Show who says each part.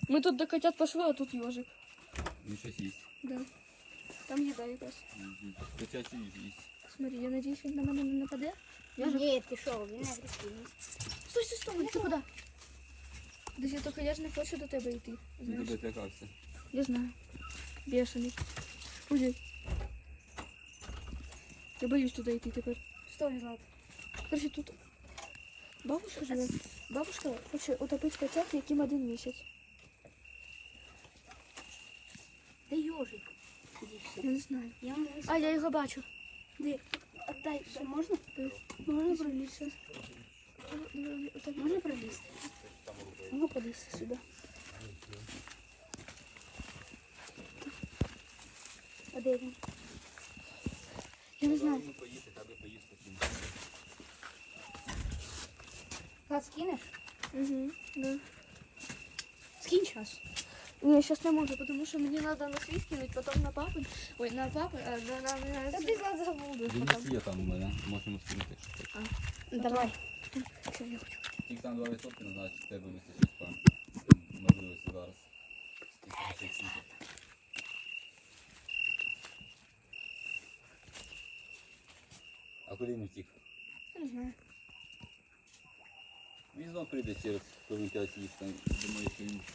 Speaker 1: Мы тут до котят пошли, а тут ежик.
Speaker 2: Він щось їсть.
Speaker 1: Да. Там їда якась.
Speaker 2: Котячу їжу їсть.
Speaker 1: Смотри, я надеюсь, він на мене не нападе.
Speaker 3: Ні, пішов, він агресивний.
Speaker 1: Стой, стой, стой, ти куди? Десь я тільки я ж не хочу до тебе йти.
Speaker 2: Він
Speaker 1: Знаєш?
Speaker 2: тебе злякався.
Speaker 1: Я знаю. Бешений. Уйди. Я боюсь туди йти тепер.
Speaker 3: Стой, Влад.
Speaker 1: Короче, тут бабушка живе. Бабушка хоче утопити котят, яким 1 місяць.
Speaker 3: Де йожик?
Speaker 1: Я не знаю.
Speaker 3: Я можу.
Speaker 1: А, я його бачу.
Speaker 3: Де? Отдай, можна?
Speaker 1: Можна пролізти?
Speaker 3: Можна пролізти?
Speaker 1: Можна пролізти сюди.
Speaker 3: А де він?
Speaker 1: Я не знаю.
Speaker 2: Ну, поїсти, аби поїсти потім.
Speaker 3: Влад, скинеш?
Speaker 1: Угу, да.
Speaker 3: Скинь час.
Speaker 1: Не, сейчас не могу, потому что мне надо на свій скинуть, потом на папу. Ой, на папу, а
Speaker 3: Та ти, Влад, забуду.
Speaker 2: Дивіться, є там у мене. Можемо скинути, якщо хочеш.
Speaker 3: Давай.
Speaker 1: Все, я хочу.
Speaker 2: Тільки там 2% не значить, тебе вистачить пан. Можливості зараз. Скільки ще світить. А куди він втік?
Speaker 1: Я не знаю.
Speaker 2: Він знов прийде через хвилин 5 їх там. Думаю, що він